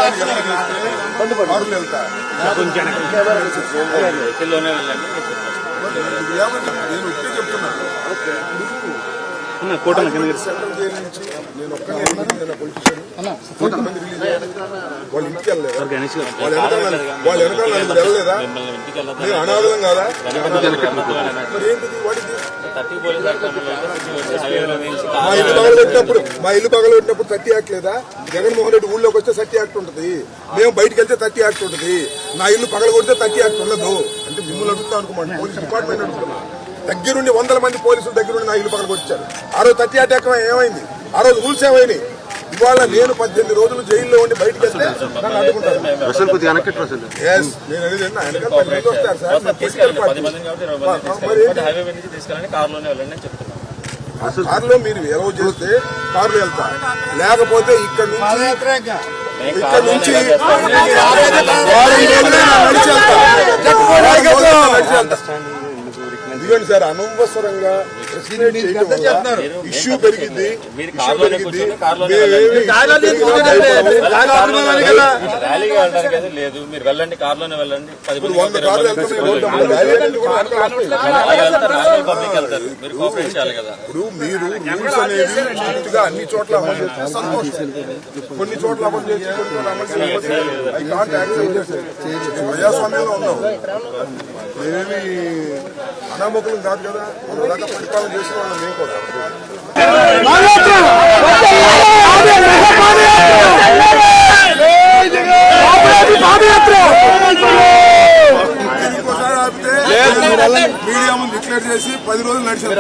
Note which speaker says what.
Speaker 1: Central jail నుంచి నేను ఒక్కనే పొలిటీషియన్ వాళ్ళు ఇంటికి వెళ్ళలేదా? వాళ్ళు వెనకాల నలుగురు వెళ్ళలేదా? నేను అనాథలం కాదా? మరి ఏంటిది వాడికి? మా ఇల్లు పగలబెట్టినప్పుడు 30 యాక్ట్ లేదా? జగన్మోహన్ రెడ్డి ఊళ్ళోకి వస్తే 30 యాక్ట్ ఉంటుంది, మేము బయటకు వెళ్తే 30 యాక్ట్ ఉంటుంది. నా ఇల్లు పగలగొడితే 30 యాక్ట్ ఉండదు. అంటే మిమ్మల్ని అడుగుతా అనుకోమండి, పోలీస్ డిపార్ట్మెంట్ అడుగుతున్నా. దగ్గరుండి 100 మంది పోలీసులు దగ్గరుండి నా ఇల్లు పగలగొచ్చారు. ఆ రోజు 30 యాక్ట్ ఏమైంది? ఆ రోజు రూల్స్ ఏమైనాయి? ఇవాళ నేను 18 రోజులు జైల్లో ఉండి బయటకు వెళ్తే నన్ను అడ్డుకుంటారు. కారులో మీరు ఎలవ్ చేస్తే కారులో వెళ్తా, లేకపోతే ఇక్కడ నుంచి ఇదిగోండి సార్, అనవసరంగా ఇష్యూ పెరిగింది.
Speaker 2: లేదు, మీరు వెళ్ళండి, కార్లోనే వెళ్ళండి.
Speaker 1: 100 కార్లు ఇప్పుడు మీరు రూల్స్ అనేది స్ట్రిక్ట్ గా అన్ని చోట్ల అమలు చేస్తే సంతోషం. కొన్ని చోట్ల అమలు చేసి ప్రజాస్వామ్యంలో ఉన్నాం. మేమేమి అనామకులం కాదు కదా, దాకా పరిపాలన చేసిన వాళ్ళం మేము కూడా. మీడియా ముందు డిక్లేర్ చేసి 10 రోజులు నడిచారు.